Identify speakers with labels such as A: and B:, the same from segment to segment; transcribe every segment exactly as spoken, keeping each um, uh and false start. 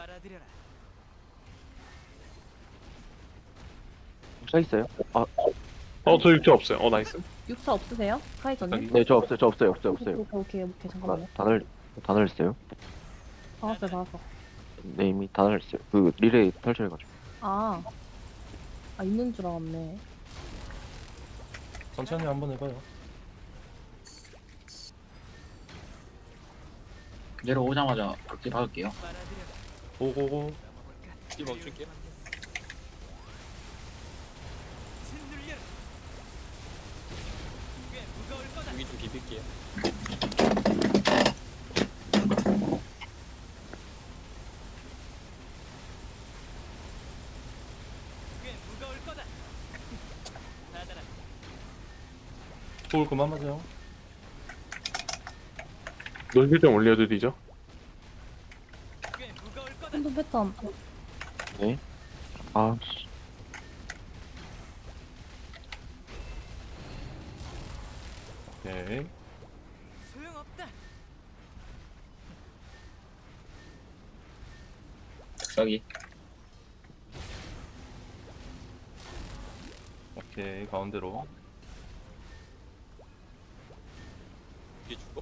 A: 빨아들여라.
B: 써 있어요? 아,
C: 어, 저 육체 없어요. 어, 나이스.
D: 육사 없으세요? 카이저님?
B: 네, 저 없어요. 저 없어요. 없어요. 없어요.
D: 오케이 오케이 오케이 잠깐만요.
B: 다 날, 다 날렸어요.
D: 나왔어요 나왔어.
B: 네, 이미 다 날렸어요. 그 리레이 탈출해가지고.
D: 아, 아 있는 줄 알았네.
C: 천천히 한번 해봐요.
E: 내려오자마자 극딜 박을게요.
A: 빨아들여라.
C: 오고고.
A: 넘어볼까?
F: 이 멈출게요.
A: 짓눌려라. 꽤 무거울 거다.
F: 여기 좀 비빌게요.
A: 꽤 무거울 거다. 받아라.
C: 돌 그만 맞아요. 놀기 좀 올려드리죠.
A: 꽤 무거울 거다.
D: 한돈 패턴.
B: 네. 아, 씨.
C: 오케이.
A: 소용없다.
E: 득사기.
C: 오케이. 가운데로.
F: 이게 죽어?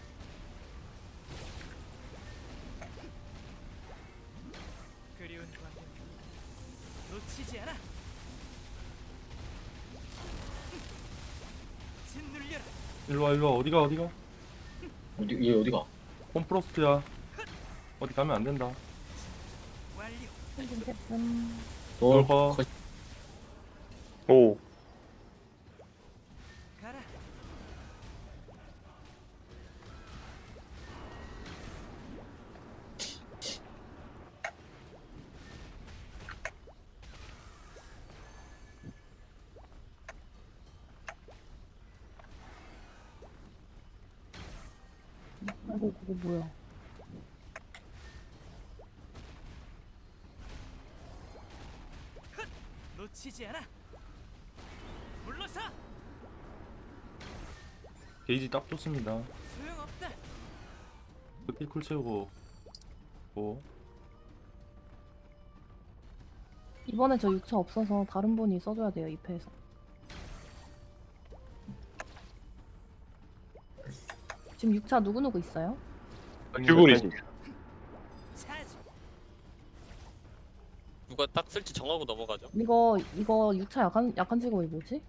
A: 그리운 광경 놓치지 않아. 짓눌려라.
C: 일로와, 일로와. 어디가, 어디가?
E: 어디 얘 어디가?
C: 홈프로스트야. 어디 가면 안 된다.
A: 완료.
D: 한돈 패턴.
E: 돌
C: 돌
E: 컷.
C: 오.
A: 가라.
D: 아이고 그거 뭐야?
A: 놓치지 않아. 물러서.
C: 게이지 딱 좋습니다.
A: 소용없다.
C: 극딜 쿨 채우고. 오.
D: 이번에 저 육차 없어서 다른 분이 써줘야 돼요 이 패에서. 지금 육차 누구 누구 있어요?
C: 큐브리.
A: 차지.
F: 누가 딱 쓸지 정하고 넘어가죠.
D: 이거 이거 육차 약한 약한 직업이 뭐지?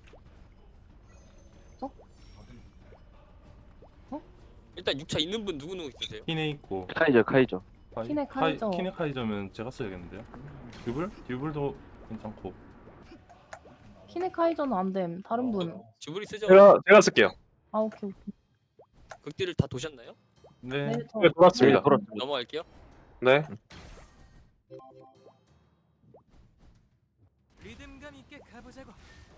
F: 일단 육 차 있는 분 누구 누구 있으세요?
C: 키네 있고.
B: 카이저, 카이저.
C: 카이-
D: 키네
C: 카이-
D: 카이저.
C: 키네 카이저면 제가 써야겠는데요. 듀블? 듀블도 괜찮고.
D: 키네 카이저는 안 됨. 다른 분.
F: 지브리 쓰죠?
C: 제가 제가 쓸게요.
D: 아 오케이 오케이.
F: 극딜을 다 도셨나요?
C: 네.
D: 네, 저
C: 네, 돌았습니다.
B: 네, 돌았-
F: 넘어갈게요.
C: 네.
A: 리듬감 있게 가보자고.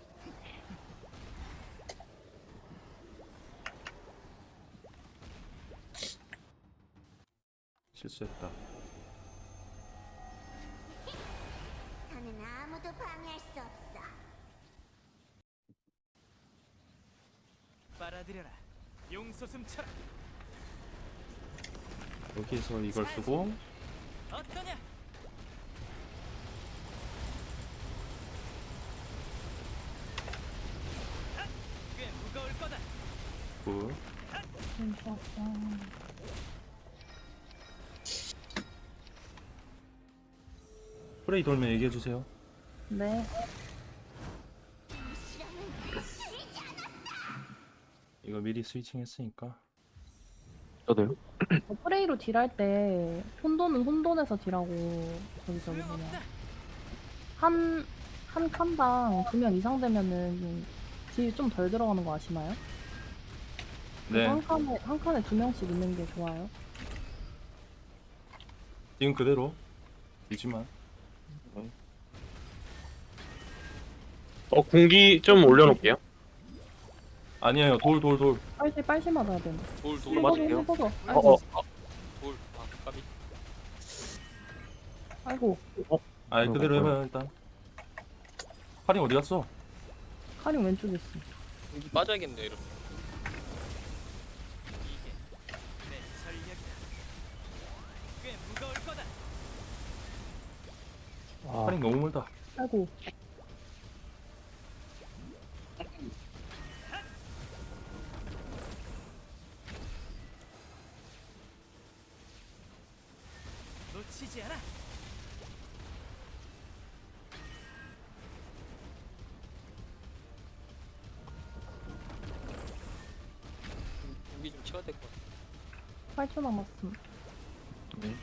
C: 실수했다.
G: 나는 아무도 방해할 수 없어.
A: 빨아들여라. 용솟음 쳐라.
C: 여기서 이걸 쓰고
A: 어떠냐? 핫! 꽤 무거울 거다.
C: 굿. 프레이 돌면 얘기해 주세요.
D: 네.
C: 이거 미리 스위칭 했으니까.
B: 저도요.
D: 저 프레이로 딜할 때 혼돈은 혼돈에서 딜하고 저기 저기 뭐냐
A: 소용없다.
D: 한, 한 칸당 두 명 이상 되면은 딜 좀 덜 들어가는 거 아시나요?
C: 네.
D: 한 칸에 한 칸에 두 명씩 있는 게 좋아요.
C: 지금 그대로 유지만.
H: 어, 공기 좀 올려놓을게요.
C: 아니에요. 돌 돌 돌.
D: 빨리 빨리 맞아야 돼.
F: 돌, 돌,
B: 맞- 맞을게요.
D: 해보소.
B: 어,
D: 아이고,
B: 어.
F: 돌. 아, 까비.
D: 아이고,
C: 아, 그대로 해봐요 일단. 카링 어디 갔어?
D: 카링 왼쪽에 있어.
F: 공기 빠져야겠네요, 이러면.
A: 이게 내 전략이다. 꽤 무거울 거다.
C: 타임 너무 멀다.
D: 아이고.
A: 놓치지 않아.
F: 공기 좀 채워야 될 것 같아.
D: 팔 초 남았음.
B: 네.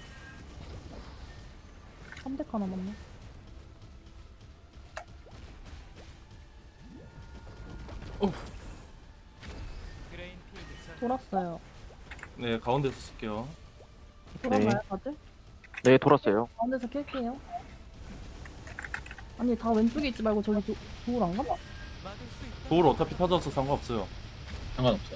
D: 삼 대카 남았네.
A: 그레인필드 전
D: 돌았어요.
C: 네, 가운데서 쓸게요.
D: 돌았나요,
B: 네.
D: 다들?
B: 네, 돌았어요.
D: 가운데서 킬게요. 아니, 다 왼쪽에 있지 말고 저기 도, 도울 안 가?
A: 막을 수 있다.
C: 도울 어차피 터져서 상관없어요.
E: 상관없어요.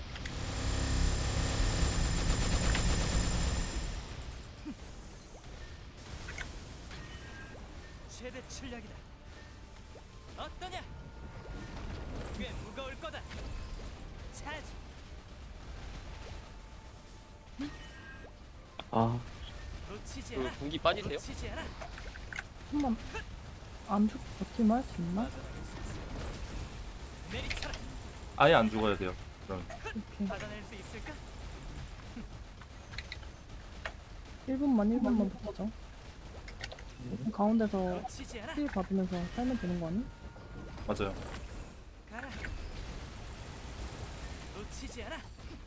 A: 최대 출력이다. 어떠냐? 꽤 무거울 거다. 차지.
B: 아,
A: 놓치지
F: 그
A: 않아.
F: 공기 빠지세요?
A: 놓치지 않아.
D: 한번 안 죽, 버티면 할 수 있나?
A: 빠져나갈 수 있어. 내리쳐라.
C: 아예 안 죽어야 돼요. 그럼
D: 이렇게.
A: 받아낼 수 있을까?
D: 일 분만, 일 분만 버텨줘. 가운데서
A: 놓치지 않아.
D: 힐 받으면서 살면 되는 거 아니?
C: 맞아요.
A: 가라. 놓치지 않아.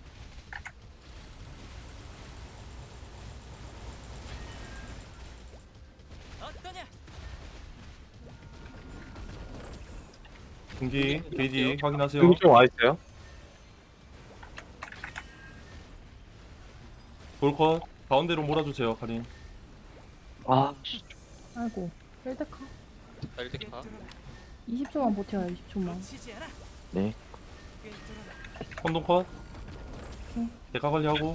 A: 어떠냐?
C: 공기 게이지 확인하세요.
H: 공기 좀 와있어요?
C: 돌컷 가운데로 몰아주세요, 카린.
B: 아, 씨.
D: 아이고, 일 대카.
F: 날개파.
D: 이십 초만 버텨요, 이십 초만.
A: 놓치지 않아.
B: 네.
A: 꿰뚫어라.
C: 혼동컷.
D: 응.
C: 대가 관리하고.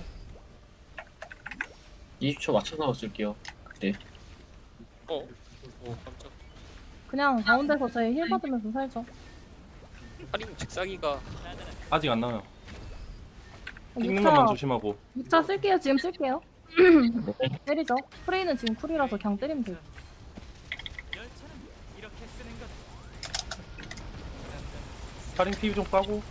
E: 이십 초 맞춰서 쓸게요. 그때.
F: 어? 오 깜짝.
D: 그냥 가운데서 저희 힐 받으면서 살죠.
F: 할인 즉사기가
A: 나다라.
C: 아직 안 나와요.
D: 어,
C: 찍는 것만
D: 육 차,
C: 조심하고.
D: 육 차 쓸게요, 지금 쓸게요. 때리죠. 프레이는 지금 쿨이라서 그냥 때리면 돼요.
A: 열차는 이렇게 쓰는 거다.
C: 카린 피부 좀 까고.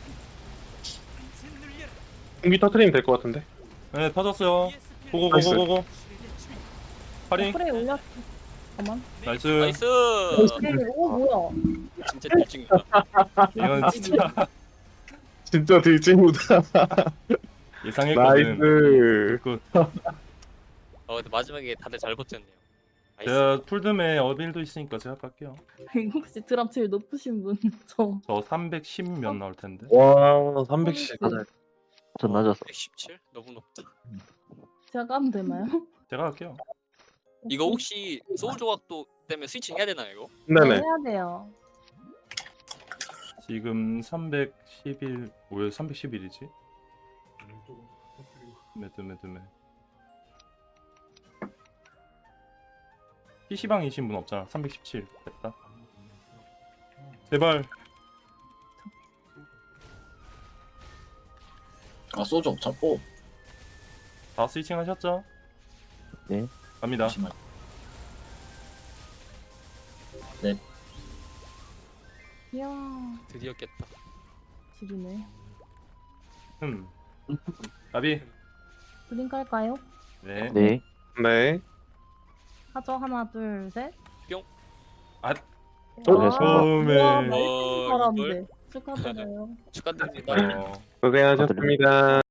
A: 짓눌려라.
H: 공기 터트리면 될 것 같은데.
C: 네, 터졌어요.
A: 이에스피를
C: 고고고고고고.
A: 슈리드 추위.
C: 카린.
D: 프레이 올렸. 잠깐만.
C: 나이스.
F: 나이스.
D: 오, 뭐야.
F: 진짜 들증이다.
C: 이건 진짜
H: 진짜 들증이다.
C: 예상했거든.
H: 나이스.
C: 굿.
F: 어 근데 마지막에 다들 잘 버텼네요. 나이스.
C: 제가 풀듬에 어빌도 있으니까 제가 갈게요.
D: 혹시 드랍 제일 높으신 분? 저.
C: 저 삼백십 몇 나올 텐데.
H: 와, 삼백십.
B: 맞아요. 전 낮았어.
F: 백십칠? 너무 높다.
D: 제가 까면 되나요?
C: 제가 갈게요.
F: 이거 혹시 소울 조각도 때문에 스위칭 해야 되나요 이거?
H: 네네.
D: 해야 돼요.
C: 지금 삼백십일. 왜 삼백십일이지? 매드 매드 매. 피시방이신 분 없잖아. 삼백십칠. 됐다. 제발.
E: 아, 소주 없잡고.
C: 다 스위칭 하셨죠?
B: 네.
C: 갑니다.
E: 잠시만.
D: 이야,
F: 드디어 깼다.
D: 지리네.
C: 흠. 가비.
D: 블링 깔까요?
C: 네.
B: 네.
H: 네.
D: 하죠. 하나, 둘, 셋.
C: 아.
B: 어,
D: 와,
C: 처음에.
D: 와,
F: 어,
D: 말씀
F: 이걸?
D: 잘하는데. 축하드려요.
F: 축하드립니다.
C: 어.
H: 고생하셨습니다.